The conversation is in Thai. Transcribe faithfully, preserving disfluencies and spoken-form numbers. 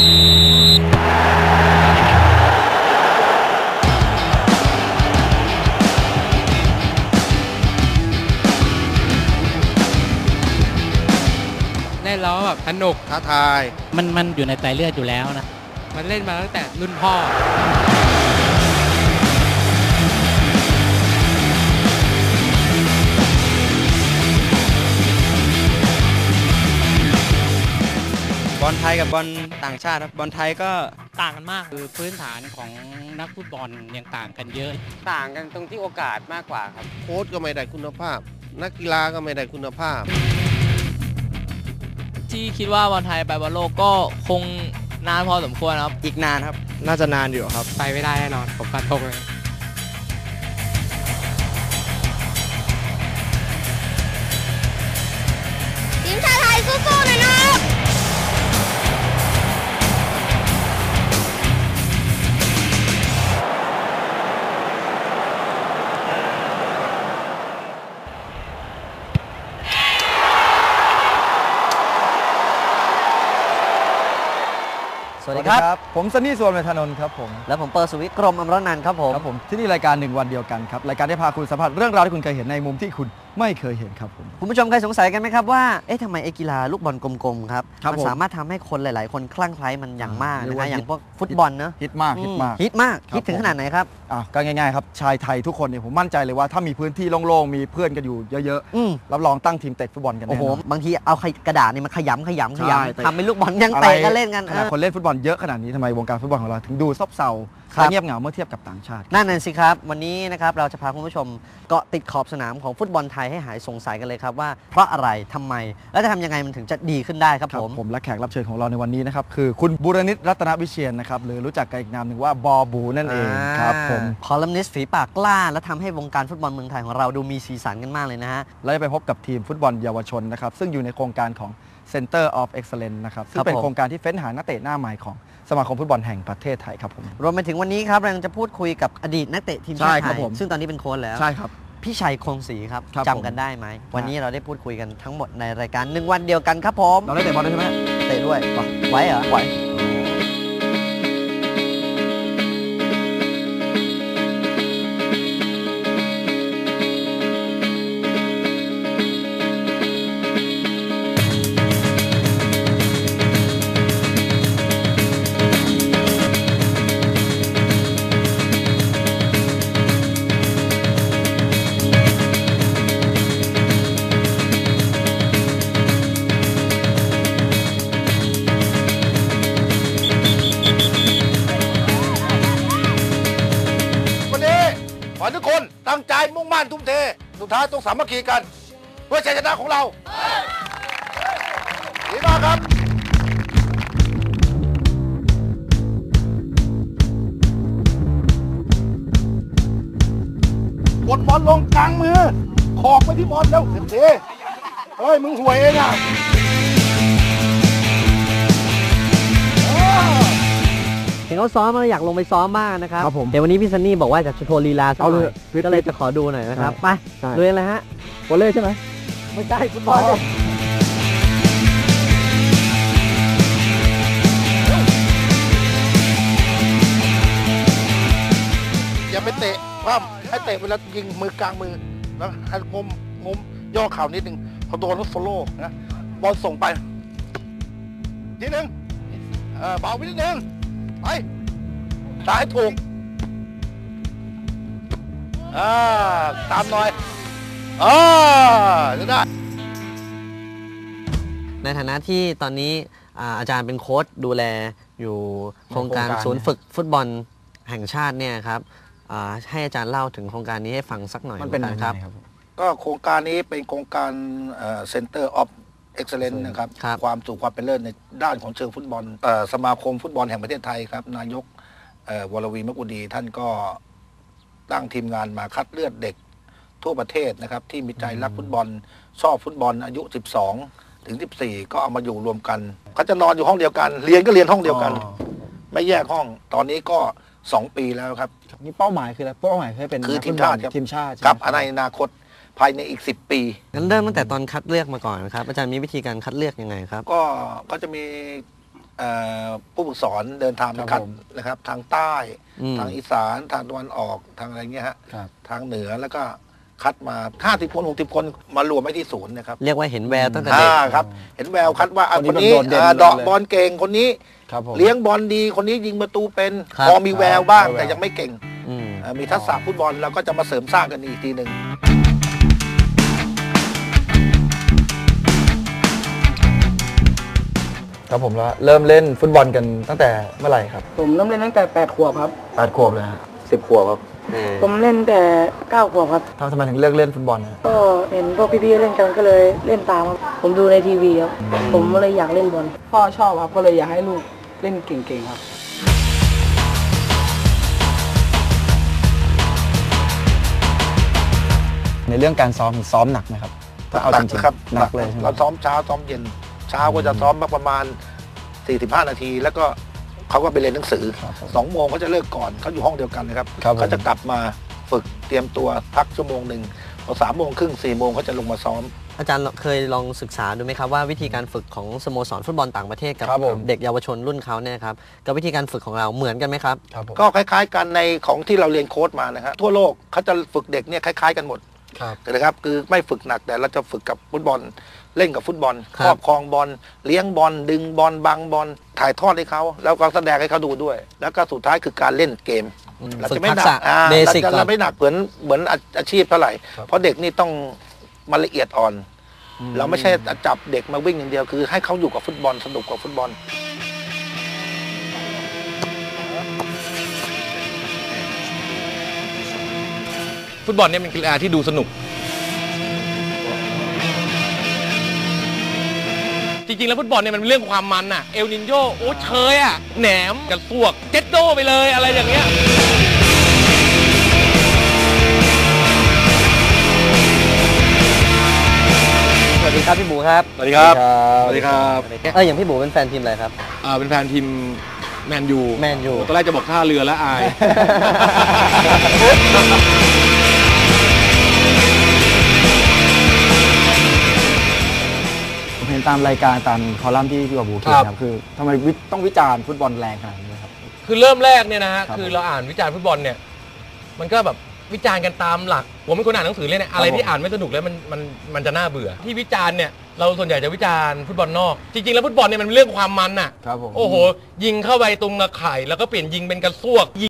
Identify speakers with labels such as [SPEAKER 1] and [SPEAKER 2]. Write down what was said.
[SPEAKER 1] เล่นแล้วแบบสนุกท้าทาย
[SPEAKER 2] มันมันอยู่ในไตเลือดอยู่แล้วนะ
[SPEAKER 1] มันเล่นมาตั้งแต่รุ่นพ่อบ
[SPEAKER 3] อลไทยกับบอลต่างชาติครับบอลไทยก็
[SPEAKER 2] ต่างกันมากคือพื้นฐานของนักฟุตบอลยังต่างกันเยอะ
[SPEAKER 3] ต่างกันตรงที่โอกาสมากกว่าครับ
[SPEAKER 4] โค้ชก็ไม่ได้คุณภาพนักกีฬาก็ไม่ได้คุณภาพ
[SPEAKER 5] ที่คิดว่าบอลไทยไปบอลโลกก็คงนานพอสมควรครับ
[SPEAKER 3] อีกนานครับน่าจะนานอยู่ครับ
[SPEAKER 1] ไปไม่ได้แน่นอนผมฟันธงเลย
[SPEAKER 6] ทีมชาติไทยสู้ๆหน่อยนะ
[SPEAKER 7] สวัสดีครับผมซันนี่ส่วนเมธานนท์ครับผม
[SPEAKER 8] และผมเปิร์สุวิทย์กรมอมรนันท์ครับผม
[SPEAKER 7] ครับผมที่นี่รายการหนึ่งวันเดียวกันครับรายการที่พาคุณสัมผัสเรื่องราวที่คุณเคยเห็นในมุมที่คุณไม่เคยเห็นครับผม
[SPEAKER 8] คุณผู้ชมเคยสงสัยกันไหมครับว่าเอ๊ะทำไมไอ้กีฬาลูกบอลกลมๆครับ
[SPEAKER 7] มัน
[SPEAKER 8] สามารถทำให้คนหลายๆคนคลั่งไคล้มันอย่างมากนะฮะอย่างพวกฟุตบอลเนอะ
[SPEAKER 7] ฮิตมากฮิตมาก
[SPEAKER 8] ฮิตมากฮิตถึงขนาดไหนครับ
[SPEAKER 7] อ่ะก็ง่ายๆครับชายไทยทุกคนเนี่ยผมมั่นใจเลยว่าถ้ามีพื้นที่โล่งๆมีเพื่อนกันอยู่เยอะๆรับรองตั้งทีมเตะฟุตบอลกันแน่นอน
[SPEAKER 8] โอ้โหบางทีเอากระดาษนี่มาขยำขยำขยำทำเป็นลูกบอลยังเตะกันเล่นกัน
[SPEAKER 7] ขนาดคนเล่นฟุตบอลเยอะขนาดนี้ทำไมวงการฟุตบอลของเราถึงดูซบเซาเงียบเหงาเมื่อเทียบกับต่างชาติ
[SPEAKER 8] นั่นน่ะสิครับวันนี้นะครับเราจะพาคุณผู้ชมเกาะติดขอบสนามของฟุตบอลไทยให้หายสงสัยกันเลยครับว่าเพราะอะไรทำไมและจะทำยังไงมันถึงจะดีขึ้นได้ครับผม
[SPEAKER 7] ผมและแขกรับเชิญของเราในวันนี้นะครับคือคุณบูรณิตรัตนวิเชียรนะครับหรือรู้จักกันอีกนามหนึ่งว่าบอบูนั่นเองครับผม
[SPEAKER 8] คอลัมนิสต์ฝีปากกล้าและทำให้วงการฟุตบอลเมืองไทยของเราดูมีสีสันกันมากเลยนะฮะ
[SPEAKER 7] เราจะไปพบกับทีมฟุตบอลเยาวชนนะครับซึ่งอยู่ในโครงการของ Center of Excellence นะครับซึ่งเป็นโครงการที่เฟ้นหานักเตะหน้าใหม่ของสมาคมฟุตบอลแห่งประเทศไทยครับผม
[SPEAKER 8] รวมไปถึงวันนี้ครับเราจะพูดคุยกับอดีตนักเตะทีมชาติไทยซึ่งตอนนี้เป็นโค้ชแล้ว
[SPEAKER 7] ใช่ครับ
[SPEAKER 8] พี่ชัยคงศรีครับจำกันได้ไหมวันนี้เราได้พูดคุยกันทั้งหมดในรายการหนึ่งวันเดียวกันครับผม
[SPEAKER 7] เราได้เตะบอลด้วยใช่ไหม
[SPEAKER 8] เตะด้วยไว้เหรอ
[SPEAKER 7] ไว้
[SPEAKER 4] ขอทุกคนตั้งใจมุ่งมั่นทุ่มเทสุดท้ายต้องสามัคคีกันเพื่อชัยชนะของเราดีมากครับกดบอลลงกลางมือขอกไปที่บอลแล้วเต็มทีเฮ้ยมึงห่วยเองอ่ะ
[SPEAKER 8] เห็นเขาซ้อมมาอยากลงไปซ้อมบ้างนะครับเดี๋ยววันนี้พี่ซันนี่บอกว่าจะโชว์ลีลาสักหน่อยก็เลยจะขอดูหน่อยนะครับไปดูเลยฮะ
[SPEAKER 7] วอลเลย์ใช่ไหม
[SPEAKER 8] ไม่ใช่ฟุตบอล
[SPEAKER 4] อย่าไปเตะคว่ำให้เตะเวลายิงมือกลางมือแล้วให้งมงมย่อเข่านิดนึงพอโดนแล้วโซโล่นะบอลส่งไปทีนึงเบาไปนิดนึงไปตายถูกอ่าตามหน่อยอ่าจะได้
[SPEAKER 8] ในฐานะที่ตอนนี้อาจารย์เป็นโค้ชดูแลอยู่โครงการศูนย์ฝึกฟุตบอลแห่งชาติเนี่ยครับให้อาจารย์เล่าถึงโครงการนี้ให้ฟังสักหน่อย
[SPEAKER 7] มันเป็น
[SPEAKER 8] ครับ
[SPEAKER 4] ก็โครงการนี้เป็นโครงการ Center of Excellence นะครับความสู่ความเป็นเลิศในด้านของเชิงฟุตบอลสมาคมฟุตบอลแห่งประเทศไทยครับนายกวรวีมกุดีท่านก็ตั้งทีมงานมาคัดเลือกเด็กทั่วประเทศนะครับที่มีใจรักฟุตบอลชอบฟุตบอลอายุสิบสองถึงสิบสี่ก็เอามาอยู่รวมกันเขาจะนอนอยู่ห้องเดียวกันเรียนก็เรียนห้องเดียวกันไม่แยกห้องตอนนี้ก็สองปีแล้วครับ
[SPEAKER 7] นี่เป้าหมายคืออะไรเป้าหมายคือเป็น
[SPEAKER 4] คือทีมชาติครับ
[SPEAKER 7] ทีมชาติ
[SPEAKER 4] ครับในอนาคตภายในอีกสิบปี
[SPEAKER 8] งั้นเริ่มตั้งแต่ตอนคัดเลือกมาก่อนครับอาจารย์มีวิธีการคัดเลือกยังไงครับ
[SPEAKER 4] ก็ก็จะมีเอ่อผู้ฝึกสอนเดินทางไป
[SPEAKER 7] ครั
[SPEAKER 4] คั
[SPEAKER 7] บ
[SPEAKER 4] ด
[SPEAKER 7] ผม
[SPEAKER 4] นะครับ ทางใต้
[SPEAKER 8] อืม
[SPEAKER 4] ทางอีสานทางตะวันออกทางอะไรเงี้ยฮะ
[SPEAKER 7] ครับ
[SPEAKER 4] ทางเหนือแล้วก็คัดมาห้าสิบคนหกสิบคนมารวมไว้ที่ศูนย์นะครับ
[SPEAKER 8] เรียกว่าเห็นแววตั้งแต่เด็ก
[SPEAKER 4] อ่าครับ เห็นแววคัดว่าอ่ะ
[SPEAKER 7] ค
[SPEAKER 4] คน น
[SPEAKER 7] นี้
[SPEAKER 4] นี้
[SPEAKER 7] แบบโดดเด่น
[SPEAKER 4] อ่า
[SPEAKER 7] เลย
[SPEAKER 4] เดาะบอลเก่งคนนี้
[SPEAKER 7] ครับผม
[SPEAKER 4] เลี้ยงบอลดีคนนี้ยิงประตูเป็น
[SPEAKER 8] ครับ
[SPEAKER 4] พอมีแววบ้าง
[SPEAKER 7] ครับ
[SPEAKER 4] แต่ยังไม่เก่ง
[SPEAKER 8] อืม
[SPEAKER 4] อ่ามีทักษะฟุตบอลเราก็จะมาเสริมสร้างกันอีกทีหนึ่ง
[SPEAKER 7] ครับผมแล้วเริ่มเล่นฟุตบอลกันตั้งแต่เมื่อไหร่ครับ
[SPEAKER 9] ผมเริ่มเล่นตั้งแต่แปดขวบครับ
[SPEAKER 7] แปดขวบเลยฮะสิบขวบครับ
[SPEAKER 9] ผมเล่นแต่เก้าขวบครับ
[SPEAKER 7] ทำไมถึงเลือกเล่นฟุตบอลนะ
[SPEAKER 9] ก็เห็นพวกพี่ๆเล่นกันก็เลยเล่นตามครับ ผมดูในทีวีครับ ผมก็เลยอยากเล่นบอล พ่อชอบครับ ก็เลยอยากให้ลูกเล่นเก่งๆครับ
[SPEAKER 7] ในเรื่องการซ้อมซ้อมหนักไหมครับถ้าเอา
[SPEAKER 4] หนั
[SPEAKER 7] จ
[SPEAKER 4] ก
[SPEAKER 7] ริง
[SPEAKER 4] นะครับ
[SPEAKER 7] ๆหนักเลยใช่ไหม
[SPEAKER 4] เราซ้อมเช้าซ้อมเย็น เช้าก็จะซ้อมมาประมาณสี่สิบห้านาที แล้วก็เขาก็ไปเรียนหนังสือ
[SPEAKER 7] ครับผม
[SPEAKER 4] สองโมงเขาจะเลิกก่อนเขาอยู่ห้องเดียวกันนะครับ
[SPEAKER 7] ครับผม
[SPEAKER 4] เขาจะกลับมาฝึกเตรียมตัวพักชั่วโมงหนึ่งพอสามโมงครึ่งสี่โมงเขาจะลงมาซ้อม
[SPEAKER 8] อาจารย์เคยลองศึกษาดูไหมครับว่าวิธีการฝึกของสโมสรฟุตบอลต่างประเทศกับ
[SPEAKER 7] ครับผม
[SPEAKER 8] เด็กเยาวชนรุ่นเขาเนี่ยครับกับวิธีการฝึกของเราเหมือนกันไหมครับ
[SPEAKER 7] ครับผม
[SPEAKER 4] ก็คล้ายๆกันในของที่เราเรียนโค้ชมานะครับทั่วโลกเขาจะฝึกเด็กเนี่ยคล้ายๆกันหมด
[SPEAKER 7] ครับ
[SPEAKER 4] นะครับคือไม่ฝึกหนักแต่เราจะฝึกกับฟุตบอลเล่นกับฟุตบอล
[SPEAKER 8] ค
[SPEAKER 4] ครับ รอบครองบอลเลี้ยงบอลดึงบอลบังบอลถ่ายทอดให้เขาแล้วก็แสดงให้เขาดูด้วย แล้วก็สุดท้ายคือการเล่นเกม เรา
[SPEAKER 8] ฝึก
[SPEAKER 4] จะไม่
[SPEAKER 8] ทัก
[SPEAKER 4] หนั
[SPEAKER 8] ษะ
[SPEAKER 4] กอ่า
[SPEAKER 8] เบ
[SPEAKER 4] เรา
[SPEAKER 8] สิก
[SPEAKER 4] จะ
[SPEAKER 8] ก่อน
[SPEAKER 4] ไม่หนักเหมือนเหมือนอาอาชีพเท่าไหร่ เพราะเด็กนี่ต้องมาละเอียดอ่อน เราไม่ใช่จับเด็กมาวิ่งอย่างเดียวคือให้เขาอยู่กับฟุตบอลสนุกกับฟุตบอล
[SPEAKER 10] ฟุตบอลเนี่ยเป็นกีฬาที่ดูสนุก จริงๆแล้วฟุตบอลเนี่ยมันเป็นเรื่องความมันอะเอลนินโยโอ้เชยอะแหนมกระซวกเจ็ดโดไปเลยอะไรอย่างเงี้ย
[SPEAKER 8] สวัสดีครับพี่บูครับ
[SPEAKER 10] สวัสดีครับสวัสดีครับ
[SPEAKER 8] เอออย่างพี่บูเป็นแฟนทีมอะไรครับ
[SPEAKER 10] อ่าเป็นแฟนทีมแมนยู
[SPEAKER 8] แมนยู
[SPEAKER 10] ตอนแรกจะบอกท่าเรือแล้วอาย
[SPEAKER 7] ผมเห็นตามรายการตามคอลัมน์ที่พี่บาบูเขียนครับคือทำไมวิต้องวิจารณ์ฟุตบอลแรงขนาดนี้ครับ
[SPEAKER 10] คือเริ่มแรกเนี่ยนะฮะ
[SPEAKER 7] ครับ
[SPEAKER 10] คือเราอ่านวิจารณ์ฟุตบอลเนี่ยมันก็แบบวิจารณ์กันตามหลักผมเป็นคนอ่านหนังสือเลยเนี่ยอะไรที่อ่านไม่สนุกแล้วมันมันมันจะน่าเบื่อที่วิจารณ์เนี่ยเราส่วนใหญ่จะวิจารณ์ฟุตบอลนอกจริงๆแล้วฟุตบอลเนี่ยมันเป็นเรื่องความมันน่ะ
[SPEAKER 7] ครับผม
[SPEAKER 10] โอ้โหยิงเข้าไปตรงตะข่ายแล้วก็เปลี่ยนยิงเป็นกระซวก